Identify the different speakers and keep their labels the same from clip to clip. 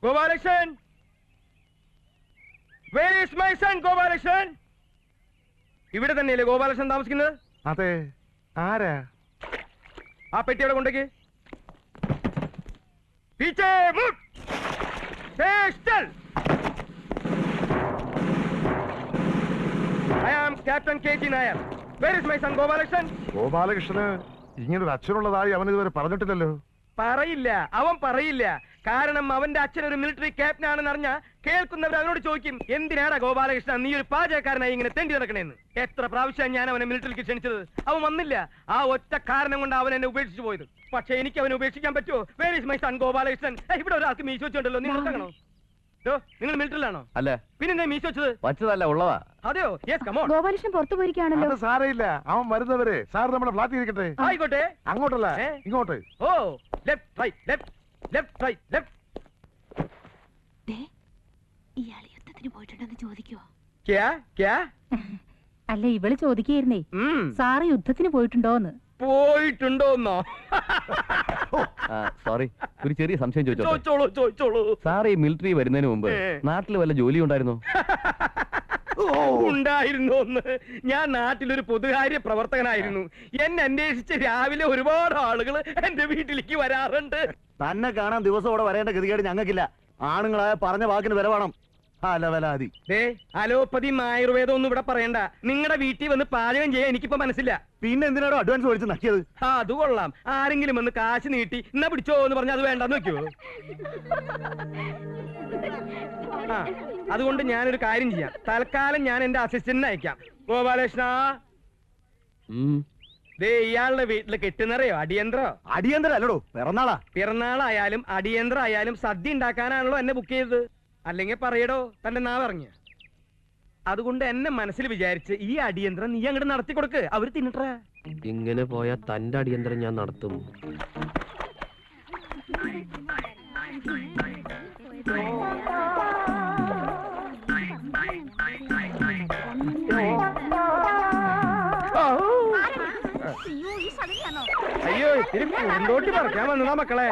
Speaker 1: Gopalakrishnan, where is my son Gopalakrishnan? ഇവിടെ തന്നെയല്ലേ ഗോപാലകൃഷ്ണൻ താമസിക്കുന്നത്?
Speaker 2: അതെ. ആരാ?
Speaker 1: ആ പെട്ടി അവിടെ കൊണ്ടേക്ക്. പീച്ചേ മുട്ട്. സ്റ്റേൽ. I am Captain KG Nair. Where is my son Gopalakrishnan?
Speaker 2: ഗോപാലകൃഷ്ണന് ഇങ്ങനൊരു അച്ഛനുള്ളതായി അവൻ ഇതുവരെ പറഞ്ഞിട്ടില്ലല്ലോ.
Speaker 1: പറയില്ല, അവൻ പറയില്ല. കാരണം അവന്റെ അച്ഛൻ ഒരു മിലിറ്ററി ക്യാപ്റ്റൻ ആണെന്ന് അറിഞ്ഞ കേൾക്കുന്നവർ അവനോട് ചോദിക്കും, എന്തിനാടാ ഗോപാലകൃഷ്ണൻ നീ ഒരു പാചകക്കാരനായി ഇങ്ങനെ തെണ്ടി നടക്കണേന്ന്. എത്ര പ്രാവശ്യം ഞാൻ അവനെ മിലിറ്ററിക്ക് ക്ഷണിച്ചത്, അവൻ വന്നില്ല. ആ ഒറ്റ കാരണം കൊണ്ട് അവൻ എന്നെ ഉപേക്ഷിച്ചു പോയത്. പക്ഷെ എനിക്ക് അവനെ ഉപേക്ഷിക്കാൻ പറ്റുമോ? Where is my son Gopalakrishnan? ഇവിടെ ഒരാൾക്ക് മീശ വെച്ചുണ്ടല്ലോ, നിങ്ങൾ നോക്കണോ? നിങ്ങൾ മിലിറ്ററിലാണോ?
Speaker 3: അല്ല.
Speaker 1: പിന്നെ മീശ വെച്ചത്
Speaker 3: വച്ചതല്ല, ഉള്ളതാ.
Speaker 1: അതെയോ? Yes, come on.
Speaker 4: ഗോപാലകൃഷ്ണൻ പുറത്തു പോയിരിക്കുകയാണല്ലോ.
Speaker 2: അത് സാരയില്ല, അവൻ വരുന്നവരെ സാർ നമ്മുടെ ഫ്ലാറ്റിൽ ഇരിക്കട്ടെ.
Speaker 1: ആയിക്കോട്ടെ.
Speaker 2: അങ്ങോട്ടല്ല, ഇങ്ങോട്ട്.
Speaker 1: ഓ, left right left left right left.
Speaker 4: ഇയാൾ യുദ്ധത്തിന് പോയിട്ടുണ്ടെന്ന് ചോദിക്കുവോ?
Speaker 5: അല്ല, ഇവള് ചോദിക്കായിരുന്നേ, സാറ് യുദ്ധത്തിന് പോയിട്ടുണ്ടോന്ന്.
Speaker 1: പോയിട്ടുണ്ടോന്നോ?
Speaker 3: സോറി, ഒരു ചെറിയ സംശയം
Speaker 1: ചോദിച്ചോളൂ.
Speaker 3: സാർ ഈ മിലിറ്ററി വരുന്നതിന് മുമ്പ് നാട്ടിൽ വല്ല ജോലി ഉണ്ടായിരുന്നോ?
Speaker 1: ഉണ്ടായിരുന്നോന്ന്? ഞാൻ നാട്ടിലൊരു പൊതുകാര്യ പ്രവർത്തകനായിരുന്നു. എന്നെ അന്വേഷിച്ച് രാവിലെ ഒരുപാട് ആളുകൾ എന്റെ വീട്ടിലേക്ക് വരാറുണ്ട്.
Speaker 3: തന്നെ കാണാൻ ദിവസം ഇവിടെ വരേണ്ട ഗതികേട് ഞങ്ങൾക്കില്ല. ആണുങ്ങളായ പറഞ്ഞ വാക്കിന് വില വേണം.
Speaker 1: അലോപ്പതിയും ആയുർവേദം ഒന്നും ഇവിടെ പറയണ്ട. നിങ്ങളുടെ വീട്ടിൽ വന്ന് പാചകം ചെയ്യാൻ എനിക്കിപ്പോ മനസ്സില്ല.
Speaker 3: പിന്നെ എന്തിനാണോ അഡ്വാൻസ് മേടിച്ച് നക്കിയത്?
Speaker 1: അത് കൊള്ളാം. ആരെങ്കിലും വന്ന് കാശ് നീട്ടി എന്നാ പിടിച്ചോ എന്ന് പറഞ്ഞാൽ അത് വേണ്ടെന്ന് വെക്കുവോ? അതുകൊണ്ട് ഞാനൊരു കാര്യം ചെയ്യാം. തൽക്കാലം ഞാൻ എന്റെ അസിസ്റ്റന്റിനെ അയക്കാം. ഗോപാലകൃഷ്ണ, ഇയാളുടെ വീട്ടില് കെട്ടുന്നറിയോ? അടിയന്തരോ?
Speaker 3: അടിയന്തരം അല്ലടോ, പിറന്നാളാ.
Speaker 1: പിറന്നാളായാലും അടിയന്തരായാലും സദ്യ ഉണ്ടാക്കാനാണല്ലോ എന്നെ ബുക്ക് ചെയ്തത്. അല്ലെങ്കിൽ പറയടോ, തന്റെ നാവിറങ്ങിയ. അതുകൊണ്ട് എന്നെ മനസ്സിൽ വിചാരിച്ച് ഈ അടിയന്തരം നീ അങ്ങോട്ട് നടത്തി കൊടുക്ക്, അവര് തിന്നിട്ടേ.
Speaker 6: ഇങ്ങനെ പോയാൽ തന്റെ അടിയന്തരം ഞാൻ നടത്തും.
Speaker 1: അയ്യോ, ഇത്തിരി പൂന്തോട്ടി പറിക്കാൻ വന്നതാ മക്കളെ.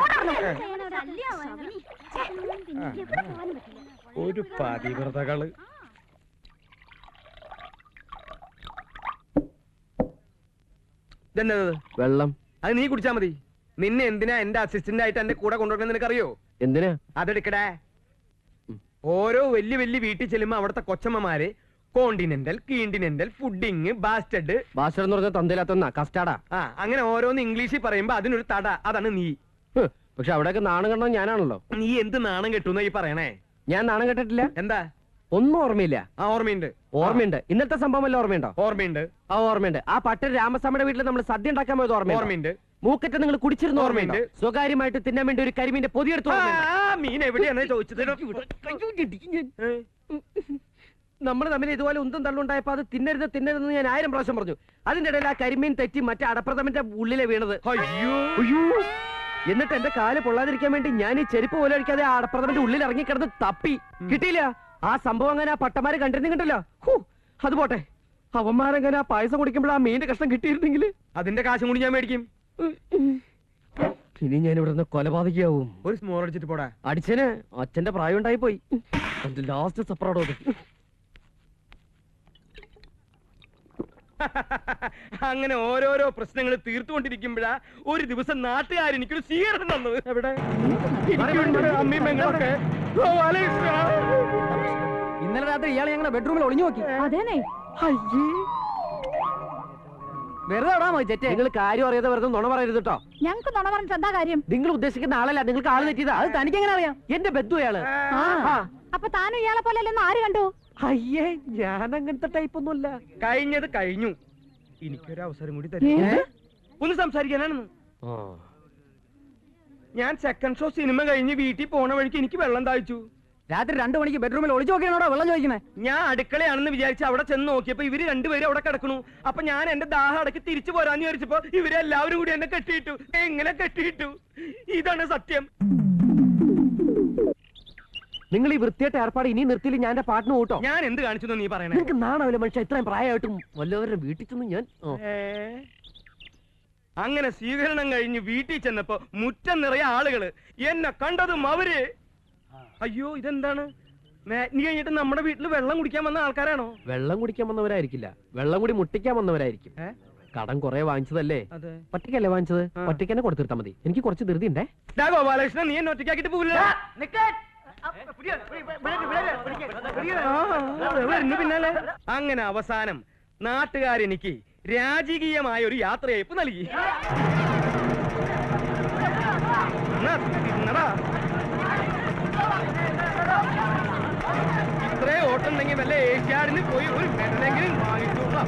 Speaker 1: ഒരു പതിവ്രതകള്. ഇതെന്നത്?
Speaker 6: വെള്ളം.
Speaker 1: അത് നീ കുടിച്ചാ മതി. നിന്നെ എന്തിനാ എന്റെ അസിസ്റ്റന്റ് ആയിട്ട് എന്റെ കൂടെ കൊണ്ടുവരണം നിനക്കറിയോ?
Speaker 6: എന്തിനാ?
Speaker 1: അതെടുക്കടേ. ഓരോ വലിയ വലിയ വീട്ടിൽ ചെല്ലുമ്പോ അവിടുത്തെ കൊച്ചമ്മമാര് continental, continental, pudding, bastard.
Speaker 6: Bastard എന്ന് പറഞ്ഞാൽ തന്തയിലാത്ത കസ്റ്റാർഡാ.
Speaker 1: അങ്ങനെ ഓരോന്ന് ഇംഗ്ലീഷിൽ പറയുമ്പോ അതിനൊരു തട. അതാണ് നീ.
Speaker 6: പക്ഷെ അവിടെയൊക്കെ നാണം കെട്ടണം ഞാനാണല്ലോ.
Speaker 1: നീ എന്ത് നാണം കെട്ടുന്ന ഈ പറയണേ?
Speaker 6: ഞാൻ നാണം കെട്ടിട്ടില്ല.
Speaker 1: എന്താ?
Speaker 6: ഒന്നും ഓർമ്മയില്ല.
Speaker 1: ഓർമ്മയുണ്ട്,
Speaker 6: ഓർമ്മയുണ്ട്. ഇന്നത്തെ സംഭവം വല്ല ഓർമ്മയുണ്ടോ?
Speaker 1: ഓർമ്മയുണ്ട്.
Speaker 6: ഓർമ്മയുണ്ട്. ആ പട്ടൻ രാമസ്വാമിയുടെ വീട്ടിൽ നമ്മൾ സദ്യ ഉണ്ടാക്കാൻ പോയത് ഓർമ്മയുണ്ട്. മൂക്കറ്റ് നിങ്ങൾ കുടിച്ചിരുന്ന ഓർമ്മയുണ്ട്. സ്വകാര്യമായിട്ട് തിന്നാൻ വേണ്ടി ഒരു കരിമീന്റെ പൊതിയെടുത്തു.
Speaker 1: മീൻ എവിടെയാണ് ചോദിച്ചത്?
Speaker 6: നമ്മൾ തമ്മിൽ ഇതുപോലെ ഉന്തും തള്ളുണ്ടായപ്പോ അത് തിന്നരുതെന്ന് ഞാൻ 1000 പ്രാവശ്യം പറഞ്ഞു. അതിന്റെ ഇടയിൽ ആ കരിമീൻ തെറ്റി മറ്റേ അടപ്രഥമന്റെ ഉള്ളിലെ വീണത്.
Speaker 1: അയ്യോ,
Speaker 6: എന്നിട്ട് എന്റെ കാല് പൊള്ളാതിരിക്കാൻ വേണ്ടി ഞാൻ ഈ ചെരുപ്പ് പോലെ അടിക്കാതെ ആ അടപ്രഥമന്റെ ഉള്ളിൽ ഇറങ്ങിക്കിടന്ന് തപ്പി. കിട്ടിയില്ല. ആ സംഭവം അങ്ങനെ ആ പട്ടമാരെ കണ്ടിരുന്നില്ല. അത് പോട്ടെ, അവന്മാരങ്ങനെ ആ പായസം കുടിക്കുമ്പോൾ ആ മീന്റെ കഷ്ണം കിട്ടിയിരുന്നെങ്കിൽ
Speaker 1: അതിന്റെ കാശും കൂടി ഞാൻ മേടിക്കും.
Speaker 6: ഇനി ഞാൻ ഇവിടെ നിന്ന് കൊലപാതകയാവും.
Speaker 1: ഒരു സ്മോൾ അടിച്ചിട്ട് പോടാ.
Speaker 6: അടിച്ചന് അച്ഛന്റെ പ്രായം ഉണ്ടായി പോയി. ലാസ്റ്റ് സപ്പറോടോ.
Speaker 1: അങ്ങനെ ഓരോരോ പ്രശ്നങ്ങൾ തീർത്തുകൊണ്ടിരിക്കുമ്പോഴാ ഒരു ദിവസം നാട്ടുകാർ എനിക്കൊരു സ്വീകരണം തന്നത്. എവിടെ? അമ്മീമ്മങ്ങളൊക്കെ.
Speaker 6: ഇന്നലെ രാത്രി ഇയാളെ ഞങ്ങളുടെ ബെഡ്റൂമിൽ ഒളിഞ്ഞു നോക്കി.
Speaker 5: അതേനെ.
Speaker 6: വെറുതെ നിങ്ങൾ കാര്യം അറിയാതെ വെറുതെ നുണ പറയരുത് കേട്ടോ.
Speaker 5: ഞങ്ങൾക്ക് നുണ പറഞ്ഞിട്ട് എന്താ കാര്യം?
Speaker 6: നിങ്ങൾ ഉദ്ദേശിക്കുന്ന ആളല്ല, നിങ്ങൾക്ക് ആള് തെറ്റിയതാ. അത് തനിക്ക് എങ്ങനെ അറിയാം? എന്റെ ബന്ധു അയാള്.
Speaker 5: അപ്പൊ താനും ഇയാളെ പോലെ അല്ലെന്ന് ആര് കണ്ടു?
Speaker 6: അയ്യേ, ഞാൻ അങ്ങനത്തെ ടൈപ്പ് ഒന്നുമല്ല.
Speaker 1: കഴിഞ്ഞത് കഴിഞ്ഞു. എനിക്കൊരു അവസരം കൂടി തരും ഒന്ന് സംസാരിക്കാനാണെന്ന്. ഞാൻ സെക്കൻഡ് ഷോ സിനിമ കഴിഞ്ഞ് വീട്ടിൽ പോണ വഴിക്ക് എനിക്ക് വെള്ളം താഴ്ച്ചു.
Speaker 6: രാത്രി 2 മണിക്ക് ബെഡ്റൂമിൽ ഒളിച്ചു നോക്കിയാണോ വെള്ളം ചോദിക്കണേ?
Speaker 1: ഞാൻ അടുക്കളയാണെന്ന് വിചാരിച്ച് അവിടെ ചെന്ന് നോക്കിയപ്പോ ഇവര് രണ്ടുപേരും അവിടെ കിടക്കണു. അപ്പൊ ഞാൻ എന്റെ ദാഹം അടക്കി തിരിച്ചു പോരാന്ന് വിചാരിച്ചപ്പോ ഇവരെല്ലാവരും കൂടി എന്നെ കെട്ടിയിട്ടു. എങ്ങനെ കെട്ടിയിട്ടു? ഇതാണ് സത്യം.
Speaker 6: നിങ്ങൾ ഈ വൃത്തിയായിട്ട് ഏർപ്പാട് ഇനി നിർത്തിയില്ല ഞാൻ എന്റെ പാട്ടിന് കൂട്ടോ.
Speaker 1: ഞാൻ എന്ത് കാണിച്ചു നീ പറയണേ?
Speaker 6: നിങ്ങൾക്ക് നാണാവില്ല മനുഷ്യ, ഇത്രയും പ്രായമായിട്ടും വല്ലവരുടെ വീട്ടിൽ ചെന്ന് ഞാൻ.
Speaker 1: അങ്ങനെ സ്വീകരണം കഴിഞ്ഞ് വീട്ടിൽ ചെന്നപ്പോ മുറ്റം നിറയെ ആളുകള്. എന്നെ കണ്ടതും അവര് അയ്യോ ഇതെന്താണ്? മാറ്റിനി കഴിഞ്ഞിട്ട് നമ്മുടെ വീട്ടിൽ വെള്ളം കുടിക്കാൻ വന്ന ആൾക്കാരാണോ?
Speaker 6: വെള്ളം കുടിക്കാൻ വന്നവരായിരിക്കില്ല, വെള്ളം കൂടി മുട്ടിക്കാൻ വന്നവരായിരിക്കും. കടം കുറെ വാങ്ങിച്ചതല്ലേ?
Speaker 1: അതെ.
Speaker 6: ഒറ്റയ്ക്കല്ലേ വാങ്ങിച്ചത്? ഒറ്റയ്ക്ക് തന്നെ കൊടുത്തിരുത്താ മതി. എനിക്ക് കുറച്ച് ധൃതി ഉണ്ടേ.
Speaker 1: ഗോപാലകൃഷ്ണൻ, നീ എന്നെ ഒറ്റയ്ക്കാക്കിട്ട് പോകില്ല. പിന്നാലെ അങ്ങനെ അവസാനം നാട്ടുകാരെനിക്ക് രാജകീയമായ ഒരു യാത്രയയപ്പ് നൽകി. ഇത്രേ ഓട്ടുണ്ടെങ്കിൽ വല്ല ഏഷ്യാഡിന് പോയി ഒരു മെഡലെങ്കിലും വാങ്ങിച്ചോളാം.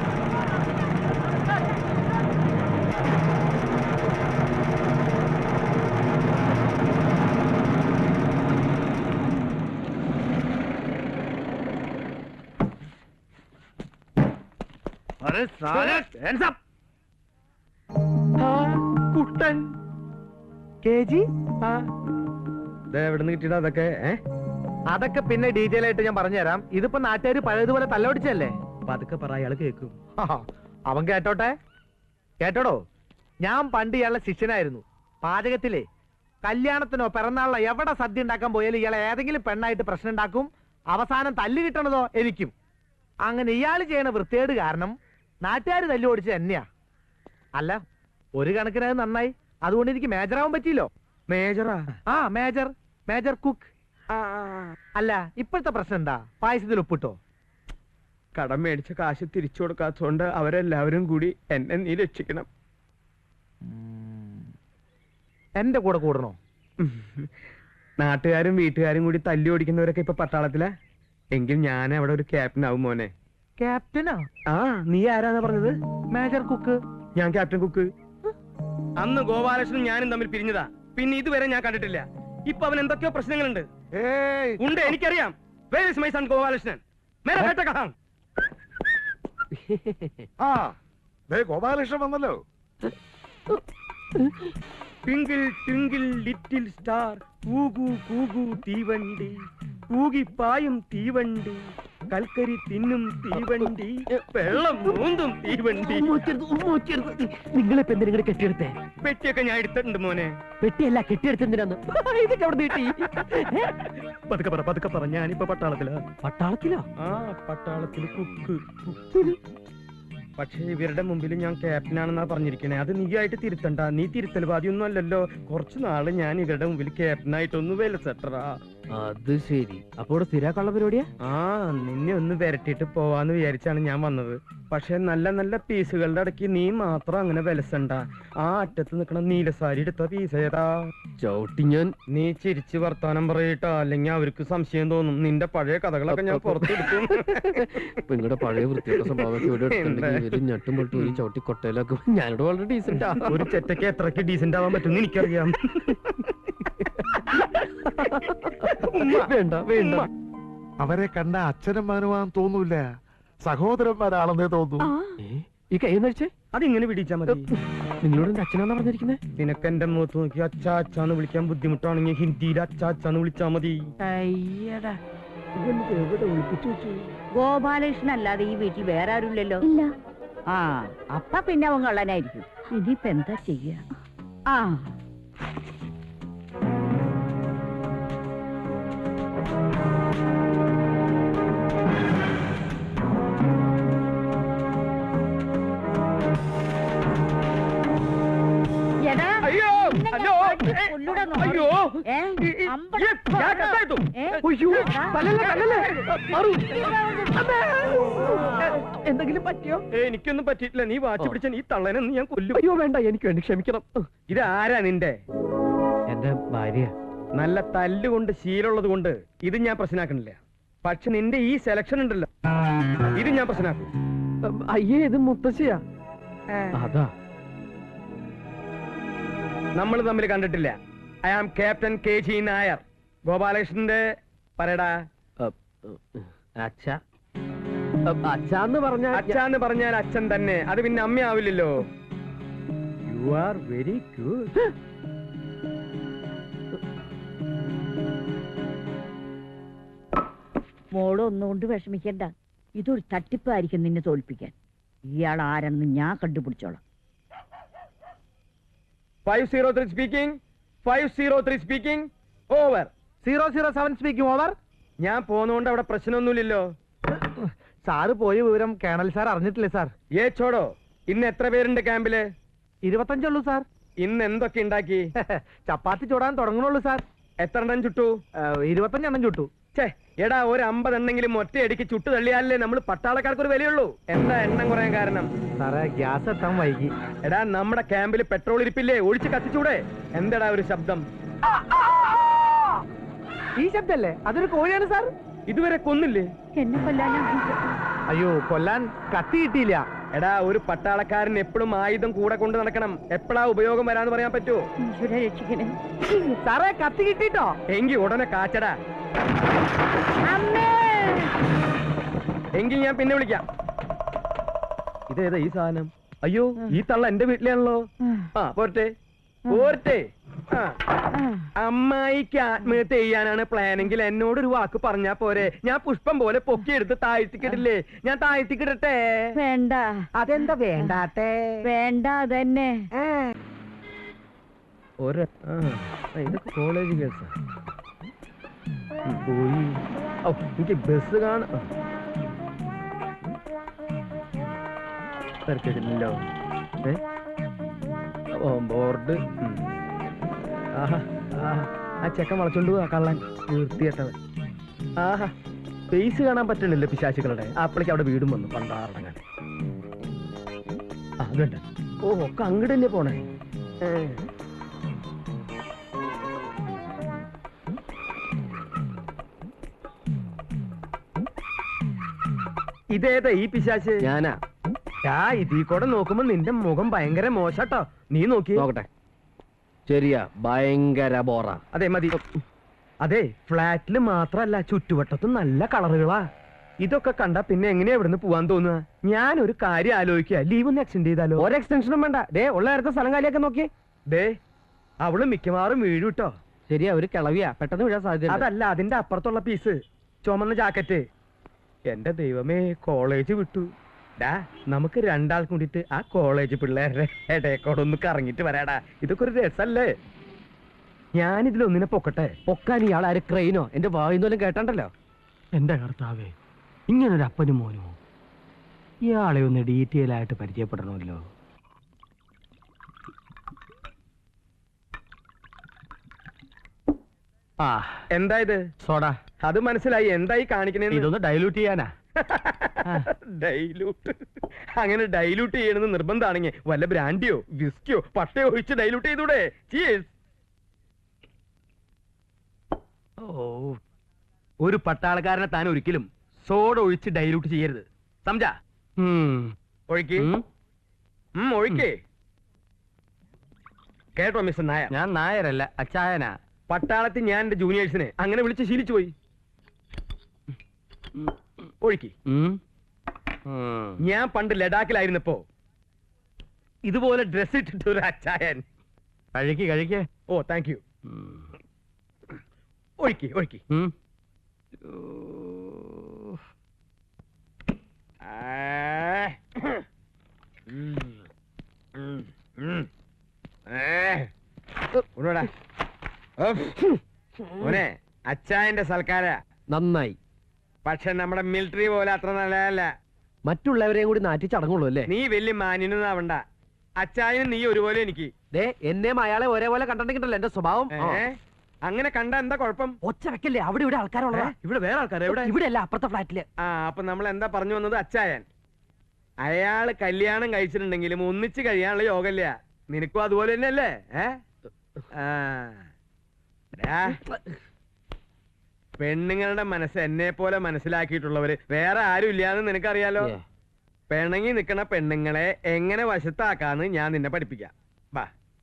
Speaker 1: കുട്ടൻ
Speaker 6: കേജി
Speaker 1: എവിടുന്ന് കിട്ടിയിട്ടാ അതൊക്കെ?
Speaker 6: അതൊക്കെ പിന്നെ ഡീറ്റെയിൽ ആയിട്ട് ഞാൻ പറഞ്ഞുതരാം. ഇതിപ്പോ നാട്ടുകാർ പഴയതുപോലെ തല്ലൊടിച്ചല്ലേ?
Speaker 1: പതുക്കെ പറ, അയാൾ കേൾക്കും.
Speaker 6: അവൻ കേട്ടോട്ടെ. കേട്ടോടോ, ഞാൻ പണ്ട് ഇയാളുടെ ശിഷ്യനായിരുന്നു. പാചകത്തിലെ കല്യാണത്തിനോ പിറന്നാളിനോ എവിടെ സദ്യ ഉണ്ടാക്കാൻ പോയാലും ഇയാളെ ഏതെങ്കിലും പെണ്ണായിട്ട് പ്രശ്നം ഉണ്ടാക്കും. അവസാനം തല്ലു കിട്ടണതോ എനിക്കും. അങ്ങനെ ഇയാൾ ചെയ്യണ വൃത്തികേട് കാരണം നാട്ടുകാർ തല്ലു ഓടിച്ചത് എന്നെയാ. അല്ല, ഒരു കണക്കിന് അത് നന്നായി. അതുകൊണ്ട് എനിക്ക് മേജറാവാൻ പറ്റിയില്ലോ.
Speaker 1: മേജറാ?
Speaker 6: ആ, മേജർ കുക്ക്. അല്ല, ഇപ്പോഴത്തെ പ്രശ്നം എന്താ? പായസത്തിൽ ഉപ്പിട്ടോ?
Speaker 1: കടം മേടിച്ച കാശ് തിരിച്ചു കൊടുക്കാത്തതുകൊണ്ട് അവരെല്ലാവരും കൂടി എന്നെ നീ രക്ഷിക്കണം.
Speaker 6: എന്റെ കൂടെ കൂടണോ?
Speaker 1: നാട്ടുകാരും വീട്ടുകാരും കൂടി തല്ലി ഓടിക്കുന്നവരൊക്കെ ഇപ്പൊ പട്ടാളത്തിലാ. എങ്കിൽ ഞാൻ അവിടെ ഒരു ക്യാപ്റ്റൻ ആവും മോനെ.
Speaker 6: ക്യാപ്റ്റനാ?
Speaker 1: ആ, നീ ആരാന്നാ പറഞ്ഞത്?
Speaker 6: Major cook.
Speaker 1: ഞാൻ ക്യാപ്റ്റൻ കുക്ക്. അന്ന് ഗോപാലകൃഷ്ണനും ഞാനും തമ്മിൽ പിരിഞ്ഞതാ. പിന്നെ ഇതുവരെ ഞാൻ കണ്ടിട്ടില്ല. ഇപ്പൊ അവൻ എന്തൊക്കെയോ പ്രശ്നങ്ങളുണ്ട്. ഉണ്ട്, എനിക്കറിയാം. Where is my son Gopalakrishnan? മേരാ ബേട്ട കഹാം?
Speaker 2: ആ ദേ ഗോപാലകൃഷ്ണൻ വന്നല്ലോ.
Speaker 1: ട്വിങ്കിൾ ട്വിങ്കിൾ ലിറ്റിൽ സ്റ്റാർ, കൂകു കൂകു തീവണ്ടി, കൂകിപ്പായും തീവണ്ടി, കൽക്കരി തിന്നും തീവണ്ടി, വെള്ളം മൂന്നും തീവണ്ടി.
Speaker 6: നിങ്ങളിപ്പോ എന്തിനാ കെട്ടിയെടുത്തേ?
Speaker 1: പെട്ടിയൊക്കെ ഞാൻ എടുത്തിട്ടുണ്ട് മോനെ.
Speaker 6: പെട്ടിയല്ല, കെട്ടിയെടുത്തെന്തിനാന്ന്? ഇതൊക്കെ അവിടെ നീട്ടി.
Speaker 1: പതുക്കെ പറ, ഞാനിപ്പോ പട്ടാളത്തിലാ.
Speaker 6: പട്ടാളത്തിലോ?
Speaker 1: ആ, പട്ടാളത്തിൽ കുക്ക്. പക്ഷേ ഇവരുടെ മുമ്പിൽ ഞാൻ ക്യാപ്റ്റനാണെന്നാ പറഞ്ഞിരിക്കണേ. അത് നീ ആയിട്ട് തിരുത്തണ്ട. നീ തിരുത്തൽവാദിയൊന്നും അല്ലല്ലോ. കുറച്ചു നാള് ഞാൻ ഇവരുടെ മുമ്പിൽ ക്യാപ്റ്റനായിട്ടൊന്ന് വിലസെട്ടറാ.
Speaker 6: അത് ശരി. അപ്പോൾ സ്ഥിരാക്കാനുള്ള പരിപാടിയാ?
Speaker 1: ആ, നിന്നെ ഒന്ന് വരട്ടിട്ട് പോവാന്ന് വിചാരിച്ചാണ് ഞാൻ വന്നത്. പക്ഷെ നല്ല നല്ല പീസുകളുടെ ഇടയ്ക്ക് നീ മാത്രം അങ്ങനെ വിലസണ്ട. ആ അറ്റത്ത് നിക്കണ നീലസാരി എടുത്ത പീസ് ഏതാ?
Speaker 6: ചവിട്ടി ഞാൻ.
Speaker 1: നീ ചിരിച്ച് വർത്താനം പറയട്ടോ, അല്ലെങ്കിൽ അവർക്ക് സംശയം തോന്നും. നിന്റെ പഴയ കഥകളൊക്കെ ഞാൻ പുറത്തെടുക്കും.
Speaker 6: നിങ്ങളുടെ പഴയ വൃത്തിയുടെ സ്വഭാവമൊക്കെ ഇവിടെ എടുത്തിട്ടുണ്ടെങ്കിൽ ഞട്ടും പൊട്ടും ഒരു ചവിട്ടി കൊട്ടയിലൊക്കെ. ഞാനിവിടെ വളരെ ഡീസന്റാ.
Speaker 1: ഒരു ചെറ്റയ്ക്ക് എത്രക്ക് ഡീസന്റ് ആവാൻ പറ്റും എനിക്കറിയാം.
Speaker 6: വേണ്ട വേണ്ട.
Speaker 2: അവരെ കണ്ട അച്ഛനും മകനുമാൻ തോന്നൂല, സഹോദരന്മാരാണെന്നേ തോന്നൂ.
Speaker 6: ഈ കൈ നടിച്ചേ
Speaker 1: അതിങ്ങനെ പിടിച്ചാ മതി.
Speaker 6: നിങ്ങളോട് എന്റെ അച്ഛനാന്നാ പറഞ്ഞിരിക്കുന്നത്?
Speaker 1: നിനക്ക് എന്റെ മുഖത്ത് നോക്കി അച്ഛാ അച്ഛാന്ന് വിളിക്കാൻ ബുദ്ധിമുട്ടാണെങ്കിൽ ഹിന്ദിയിൽ അച്ഛാ അച്ഛാന്ന് വിളിച്ചാ മതി.
Speaker 6: എവിടെ ഒളിപ്പിച്ചു വെച്ചു?
Speaker 7: ഗോപാലകൃഷ്ണൻ അല്ലാതെ ഈ വീട്ടിൽ വേറെ ആരുമില്ലല്ലോ.
Speaker 4: ഇല്ല.
Speaker 7: ആ, അപ്പ പിന്നെ അവൻ കള്ളനായിരിക്കും. ഇനിയിപ്പ എന്താ ചെയ്യാ? ആ, എടാ,
Speaker 1: അയ്യോ അയ്യോ
Speaker 7: കൊല്ലൂടാ നോക്ക്.
Speaker 1: അയ്യോ
Speaker 7: ഏ? അമ്പട- ഏ?
Speaker 6: അയ്യോ, തല്ലല്ലേ, തല്ലല്ലേ. മാറൂ. അമ്മേ. എന്തെങ്കിലും പറ്റിയോ?
Speaker 1: എനിക്കൊന്നും പറ്റിയിട്ടില്ല. നീ വാച്ച് പിടിച്ച ഈ തള്ളനെന്ന് ഞാൻ കൊല്ലും.
Speaker 6: അയ്യോ വേണ്ട, എനിക്ക് വേണ്ടി ക്ഷമിക്കണം.
Speaker 1: ഇത് ആരാ നിന്റെ?
Speaker 6: എന്റെ ഭാര്യ.
Speaker 1: നല്ല തല്ലുകൊണ്ട് ശീലമുള്ളത് കൊണ്ട് ഇത് ഞാൻ പ്രശ്നമാക്കണില്ല. പക്ഷെ നിന്റെ ഈ സെലക്ഷൻ ഉണ്ടല്ലോ, ഇത് ഞാൻ പ്രശ്നമാക്കും.
Speaker 6: അയ്യേ, ഇത് മുത്തശ്ശിയാ. അതാ.
Speaker 1: നമ്മൾ തമ്മിൽ കണ്ടിട്ടില്ല. I am captain KG Nair. ഗോപാലകൃഷ്ണന്റെ പറയടാ.
Speaker 6: അച്ഛാന്ന് പറഞ്ഞ
Speaker 1: അച്ഛാന്ന് പറഞ്ഞാൽ അച്ഛൻ തന്നെ. അത് പിന്നെ അമ്മയാവില്ലല്ലോ. You are very good.
Speaker 7: മോള് ഒന്നുകൊണ്ട് വിഷമിക്കണ്ട. ഇതൊരു തട്ടിപ്പായിരിക്കും നിന്നെ തോൽപ്പിക്കാൻ. ഇയാൾ ആരെന്ന് ഞാൻ കണ്ടുപിടിച്ചോളാം.
Speaker 1: 503 speaking. 503 speaking. Over.
Speaker 6: 007 speaking over.
Speaker 1: ഞാൻ പോന്നോണ്ട് അവിടെ പ്രശ്നമൊന്നുമില്ലല്ലോ.
Speaker 6: സാറ് പോയ വിവരം കേണൽ സാർ അറിഞ്ഞിട്ടില്ലേ സാർ?
Speaker 1: ചോടോ, ഇന്ന് എത്ര പേരുണ്ട് ക്യാമ്പില്?
Speaker 6: 25 ഉള്ളൂ സാർ.
Speaker 1: ഇന്ന് എന്തൊക്കെ ഉണ്ടാക്കി?
Speaker 6: ചപ്പാത്തി ചൂടാൻ തുടങ്ങണുള്ളൂ സാർ.
Speaker 1: എത്ര എണ്ണം ചുട്ടു?
Speaker 6: 25 എണ്ണം ചുട്ടു.
Speaker 1: എടാ, ഒരു 50 എണ്ണെങ്കിലും ഒറ്റയടിക്ക് ചുട്ടു തള്ളിയാലേ നമ്മൾ പട്ടാളക്കാർക്ക് ഒരു വിലയുള്ളൂ. എന്താ എണ്ണം കുറയാൻ കാരണം?
Speaker 6: സാറേ, ഗ്യാസ് എത്താൻ വൈകി.
Speaker 1: എടാ, നമ്മുടെ ക്യാമ്പിൽ പെട്രോൾ ഇരിപ്പില്ലേ? ഒഴിച്ച് കത്തിച്ചൂടെ? എന്താടാ ഒരു ശബ്ദം?
Speaker 6: ഈ ശബ്ദല്ലേ? അതൊരു കോഴിയാണ് സാർ.
Speaker 1: ഇതുവരെ കൊന്നില്ലേ?
Speaker 7: എന്നെ കൊല്ലാനാ?
Speaker 6: അയ്യോ, കൊല്ലാൻ കത്തി കിട്ടിയില്ല.
Speaker 1: എടാ, ഒരു പട്ടാളക്കാരൻ എപ്പോഴും ആയുധം കൂടെ കൊണ്ട് നടക്കണം. എപ്പോഴാ ഉപയോഗം വരാന്ന് പറയാൻ പറ്റുമോ?
Speaker 7: ഈശ്വരനെ രക്ഷിക്കണേ.
Speaker 6: സാറേ, കത്തി കിട്ടിട്ടോ?
Speaker 1: എങ്കി ഉടനെ കാച്ചടാ.
Speaker 7: അമ്മേ!
Speaker 1: എങ്കിൽ ഞാൻ പിന്നെ വിളിക്കാം. ഇതേതാ ഈ സാധനം? അയ്യോ, ഈ തള്ള എന്റെ വീട്ടിലാണല്ലോ. ആ, പോരട്ടെ പോരട്ടെ. അമ്മായിക്ക് ആത്മഹത്യ ചെയ്യാനാണ് പ്ലാനെങ്കിൽ എന്നോടൊരു വാക്ക് പറഞ്ഞാ പോരെ? ഞാൻ പുഷ്പം പോലെ പൊക്കിയെടുത്ത് താഴ്ത്തിക്കിടില്ലേ? ഞാൻ താഴ്ത്തിക്കിടട്ടെ?
Speaker 7: വേണ്ട.
Speaker 6: അതെന്താ വേണ്ടാത്തെ?
Speaker 7: വേണ്ട അതന്നെ.
Speaker 1: ഇതൊക്കെ കോളേജ് കേസാ. പോയി. എനിക്ക് ബസ് കാണാം. തിരക്കില്ലല്ലോ. ബോർഡ്. ആ ചെക്കൻ വളച്ചോണ്ട് പോവാ കള്ളൻ. വൃത്തികെട്ടവൻ. ആഹാ, ഫേസ് കാണാൻ പറ്റണില്ല പിശാചുക്കളുടെ. അപ്പളേക്ക് അവിടെ വീടും വന്നു പണ്ടാറടങ്ങാൻ. അതുണ്ട്. ഓ, ഒക്കെ അങ്ങോട്ട് തന്നെ പോണേ. ഇതേതാ ഈ പിശാച്?
Speaker 6: ഞാനാ.
Speaker 1: ഇതീ കൂടെ നോക്കുമ്പോ നിന്റെ മുഖം ഭയങ്കര മോശട്ടോ. നീ നോക്കി
Speaker 6: നോക്കട്ടെ. ശരിയാ, ഭയങ്കര ബോറ.
Speaker 1: അതെ, മതി. അതെ, ഫ്ലാറ്റില് മാത്രല്ല ചുറ്റുവട്ടത്തും നല്ല കളറുകളാ. ഇതൊക്കെ കണ്ടാ പിന്നെ എങ്ങനെയാ ഇവിടുന്ന് പോവാൻ തോന്നുക? ഞാനൊരു കാര്യം ആലോചിക്കുക. ലീവ് ഒന്ന് എക്സ്റ്റെൻഡ് ചെയ്താലോ?
Speaker 6: ഒരു എക്സ്റ്റൻഷനും വേണ്ട. ഉള്ള നേരത്തെ സ്ഥലം കാലിയൊക്കെ നോക്കി.
Speaker 1: അവള് മിക്കവാറും വീഴും കേട്ടോ.
Speaker 6: ശരിയാ, ഒരു കിളവിയാ, പെട്ടെന്ന് വീഴാൻ സാധ്യത.
Speaker 1: അതല്ല, അതിന്റെ അപ്പുറത്തുള്ള പീസ്, ചുമന്ന ജാക്കറ്റ്. എന്റെ ദൈവമേ, കോളേജ് വിട്ടു. നമുക്ക് രണ്ടാൾ കൂടിയിട്ട് ആ കോളേജ് പിള്ളേരുടെ ഇടയക്കോടെ ഒന്ന് കറങ്ങിട്ട് വരാടാ. ഇതൊക്കെ ഒരു രസല്ലേ? ഞാനിതിലൊന്നിനെ പൊക്കട്ടെ.
Speaker 6: പൊക്കാൻ ഇയാൾ ആര്? ക്രെയിനോ? എന്റെ വായുന്നോലും കേട്ടണ്ടല്ലോ.
Speaker 1: എന്റെ കർത്താവേ, ഇങ്ങനൊരു അപ്പനും മോനുമോ? ഇയാളെ ഒന്ന് ഡീറ്റെയിൽ ആയിട്ട് പരിചയപ്പെടണമല്ലോ. എന്താ ഇത്?
Speaker 6: സോഡ.
Speaker 1: അത് മനസ്സിലായി. എന്തായി കാണിക്കണേ?
Speaker 6: ഇതൊന്ന് ഡൈലൂട്ട് ചെയ്യാനാ.
Speaker 1: ഡൈലൂട്ട്? അങ്ങനെ ഡൈലൂട്ട് ചെയ്യണമെന്ന് നിർബന്ധമാണെങ്കിൽ വല്ല ബ്രാൻഡിയോ വിസ്കിയോ പട്ടയോ ഒഴിച്ച് ഡൈലൂട്ട് ചെയ്തൂടെ? ഒരു പട്ടാളക്കാരനെ താൻ ഒരിക്കലും സോഡ ഒഴിച്ച് ഡൈലൂട്ട് ചെയ്യരുത്. സംജാ? ഒഴിക്ക്. ഒഴിക്കേ. കേട്ടോ മിസ്റ്റർ നായർ?
Speaker 6: ഞാൻ നായരല്ല, അച്ചായനാ.
Speaker 1: പട്ടാളത്തിൽ ഞാൻ എന്റെ ജൂനിയേഴ്സിനെ അങ്ങനെ വിളിച്ച് ശീലിച്ചു പോയി. ഒഴുക്കി. ഞാൻ പണ്ട് ലഡാക്കിലായിരുന്നപ്പോ ഇതുപോലെ ഡ്രസ് ഇട്ടിട്ട് ഒരു അച്ചായൻ.
Speaker 6: കഴിക്കേ.
Speaker 1: ഓ, താങ്ക് യു. ഒഴുക്കി ഒഴുക്കി. അച്ചായന്റെ സൽക്കാര
Speaker 6: നന്നായി.
Speaker 1: പക്ഷെ നമ്മുടെ മിലിറ്ററി പോലെ അത്ര നല്ലതല്ല.
Speaker 6: മറ്റുള്ളവരെയും കൂടി നാറ്റി ചടങ്ങുള്ളൂ അല്ലേ?
Speaker 1: നീ വലിയ മാന്യനാവണ്ട. അച്ചായനും നീ ഒരുപോലെ എനിക്ക്.
Speaker 6: എന്നെയും അയാളെ ഒരേപോലെ കണ്ടിട്ടുണ്ടല്ലോ എന്റെ സ്വഭാവം.
Speaker 1: അങ്ങനെ കണ്ട എന്താ കുഴപ്പം?
Speaker 6: ഒച്ച വെക്കല്ലേ, അവിടെ ഇവിടെ ആൾക്കാരുള്ളതാ.
Speaker 1: ഇവിടെ വേറെ ആൾക്കാർ എവിടെ?
Speaker 6: ഇവിടെ അല്ല, അപ്പുറത്തെ ഫ്ലാറ്റില്.
Speaker 1: അപ്പൊ നമ്മൾ എന്താ പറഞ്ഞു വന്നത്? അച്ചായൻ അയാള് കല്യാണം കഴിച്ചിട്ടുണ്ടെങ്കിലും ഒന്നിച്ച് കഴിയാനുള്ള യോഗല്ല. നിനക്കും അതുപോലെ തന്നെയല്ലേ? പെണ്ണുങ്ങളുടെ മനസ്സ് എന്നെ പോലെ മനസ്സിലാക്കിയിട്ടുള്ളവര് വേറെ ആരും ഇല്ലാന്ന് നിനക്കറിയാലോ. പിണങ്ങി നിക്കണ പെണ്ണുങ്ങളെ എങ്ങനെ വശത്താക്കാന്ന് ഞാൻ നിന്നെ പഠിപ്പിക്കാം. വാ.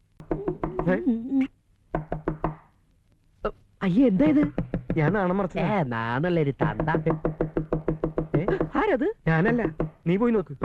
Speaker 6: അയ്യേ, എന്താ ഇത്?
Speaker 1: ഞാൻ നാണം മറച്ച
Speaker 6: നാണല്ലൊരു തന്ത. ആരത്?
Speaker 1: ഞാനല്ല, നീ പോയി നോക്ക്.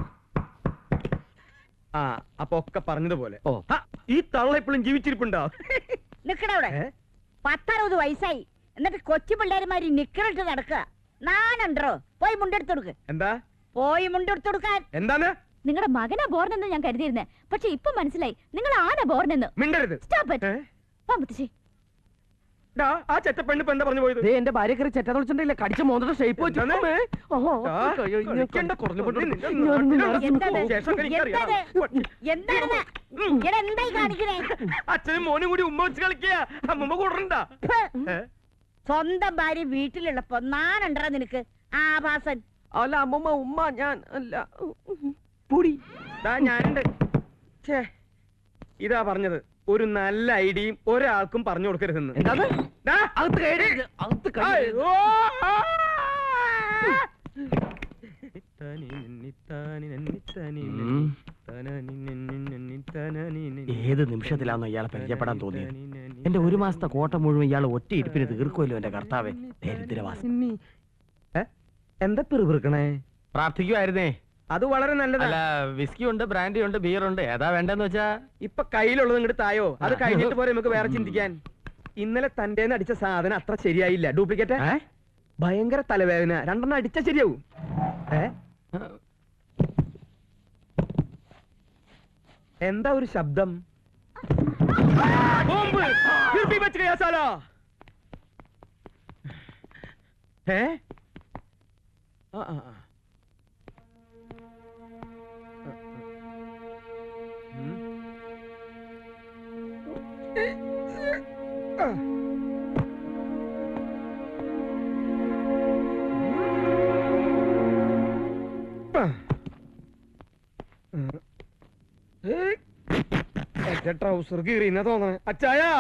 Speaker 1: അപ്പൊ ഒക്കെ പറഞ്ഞതുപോലെ. ഈ തള്ള ഇപ്പോഴും ജീവിച്ചിരിപ്പുണ്ടോ?
Speaker 7: നിക്കണവിടെ. 10-60 വയസ്സായി, എന്നിട്ട് കൊച്ചു പിള്ളേരുമാരി നിക്കറിട്ട് നടക്കുക. നാനുണ്ടോ? പോയി മുണ്ടെടുത്ത് കൊടുക്ക്.
Speaker 1: എന്താ?
Speaker 7: പോയി മുണ്ടെടുത്ത് കൊടുക്കാൻ.
Speaker 1: എന്താണ്?
Speaker 4: നിങ്ങളുടെ മകനാ ബോർനെന്ന് ഞാൻ കരുതിയിരുന്നേ, പക്ഷെ ഇപ്പൊ മനസ്സിലായി നിങ്ങൾ ആന ബോർനെന്ന്.
Speaker 1: മിണ്ടരുത്. ആ ചെറ്റപ്പെണ്ണ് ഇപ്പൊ എന്താ പറഞ്ഞു പോയത്?
Speaker 6: ദേ എന്റെ ഭാര്യ കയറി ചെറ്റ തുളിച്ചിട്ടില്ല കടിച്ച മോന്തയുടെ ഷേപ്പ് വെച്ചു
Speaker 1: എന്താണ്? കളിക്കണ്ട, കുറഞ്ഞു പോട്ടെ. നിന്റെ ശേഷമൊക്കെ എനിക്കറിയാം.
Speaker 7: എന്താണെന്ന് എടാ എന്തായി കാണിക്കണേ?
Speaker 1: അച്ഛനും മോനും കൂടി ഉമ്മ വെച്ച് കളിക്കുക. അമ്മമ്മ കൂടണ്ട.
Speaker 7: സ്വന്തം ഭാര്യ വീട്ടിലുള്ളപ്പോ നാനുണ്ടോ നിനക്ക് ആഭാസൻ?
Speaker 6: അല്ല അമ്മമ്മ ഉമ്മ ഞാൻ അല്ല പൊടി
Speaker 1: ഞാനുണ്ട്. ഛേ, ഇതാ പറഞ്ഞത്, ഒരു നല്ല ഐഡിയയും ഒരാൾക്കും പറഞ്ഞു കൊടുക്കരുതെന്ന്.
Speaker 6: എന്താണ്
Speaker 1: ദാ,
Speaker 6: അകത്ത് കയറി അകത്ത് കയറി
Speaker 1: ഓ!
Speaker 6: ഏത് നിമിഷത്തിലാണോ ഇയാളെ പരിചയപ്പെടാൻ തോന്നിയത്? എന്റെ ഒരു മാസത്തെ കോട്ട മുഴുവൻ ഇയാൾ ഒറ്റ ഇരിപ്പിന് തീർക്കുമല്ലോ എന്റെ കർത്താവേ. ദരിദ്രവാസി
Speaker 1: എന്താ പിറുപിറുക്കണേ?
Speaker 6: പ്രാർത്ഥിക്കുമായിരുന്നേ.
Speaker 1: അത് വളരെ നല്ലതല്ല.
Speaker 6: അല്ല വിസ്കി ഉണ്ട്, ബ്രാൻഡി ഉണ്ട്, ബിയർ ഉണ്ട്, ഏതാ വേണ്ടെന്ന് വെച്ചാ?
Speaker 1: ഇപ്പൊ കയ്യിലുള്ളത് ഇങ്ങോട്ട് തായോ, അത് കഴിഞ്ഞിട്ട് പോരെ നമുക്ക് വേറെ ചിന്തിക്കാൻ. ഇന്നലെ തന്റെ അടിച്ച സാധനം അത്ര ശരിയായില്ല, ഡ്യൂപ്ലിക്കേറ്റ്. ഭയങ്കര തലവേദന, രണ്ടെണ്ണം അടിച്ചാ ശരിയാവും. എന്താ ഒരു ശബ്ദം? ബോംബ്! ഫിർ ഭി ബച്ച് ഗയാ സാലാ. ട്രൗസർ കീറിയെന്നാ തോന്നണേ. അച്ചായാ,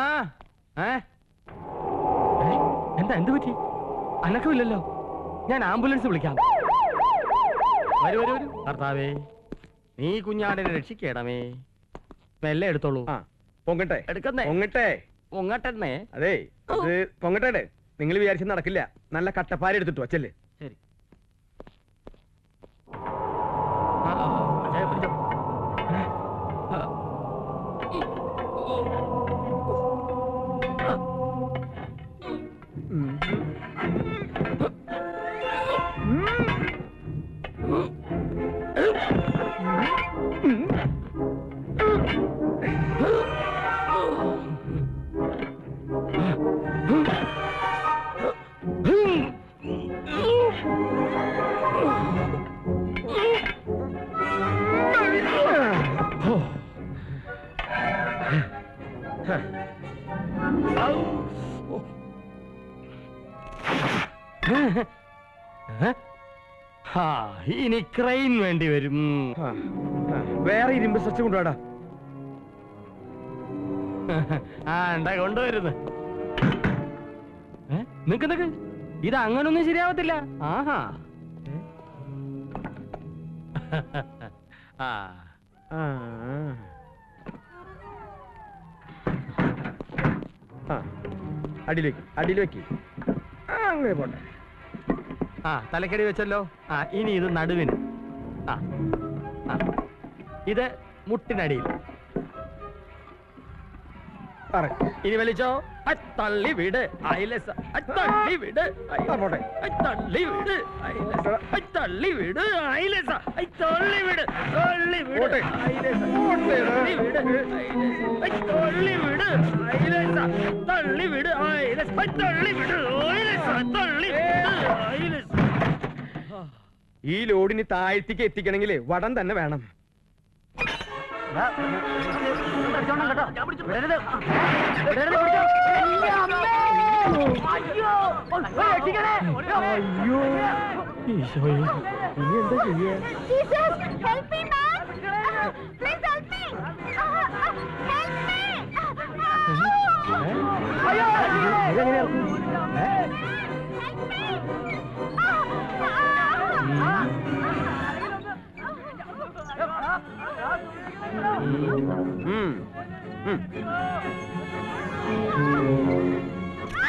Speaker 6: എന്താ എന്ത് പറ്റി? അനക്കമില്ലല്ലോ. ഞാൻ ആംബുലൻസ് വിളിക്കാം. വരൂ വരൂ വരൂ. കർത്താവേ, നീ കുഞ്ഞാടിനെ രക്ഷിക്കണമേ. മെല്ലെ എടുത്തോളൂ.
Speaker 1: പൊങ്ങട്ടെ
Speaker 6: എടുക്കുന്നേ.
Speaker 1: പൊങ്ങട്ടെ
Speaker 6: പൊങ്ങട്ടെന്നേ.
Speaker 1: അതെ, ഇത് പൊങ്ങട്ടെ. നിങ്ങൾ വിചാരിച്ച നടക്കില്ല. നല്ല കട്ടപ്പാര എടുത്തിട്ടു അച്ചല്ലേ.
Speaker 6: ശരി. ഇനി ക്രെയിൻ വേണ്ടി വരും.
Speaker 1: വേറെ ഇരുമ്പ് സ്ട്രെച്ച് കൊണ്ടുപോടാ.
Speaker 6: കൊണ്ടുവരുന്നു. നിക്ക് നിക്ക്, ഇത് അങ്ങനൊന്നും ശരിയാവത്തില്ല. ആഹാ.
Speaker 1: അടിയിൽ വെക്ക്. അങ്ങനെ പോട്ടെ.
Speaker 6: തലക്കടി വെച്ചല്ലോ. ഇനി ഇത് നടുവിന്. ഇത് മുട്ടിനടിയിൽ. ഇനി വലിച്ചോ. തള്ളി വിട്. തള്ളി വിട്. തള്ളി വിട്. തള്ളി വിട്. തള്ളി വിട്. തള്ളി വിട്. തള്ളി വിട്. തള്ളി വിട്. തള്ളി വിട്. തള്ളി വിട്. തള്ളി വിട്.
Speaker 1: ഈ ലോഡിന് താഴ്ത്തിക്ക് എത്തിക്കണമെങ്കിൽ വടം തന്നെ വേണം.
Speaker 6: ഇനി എന്താ ചെയ്യാ?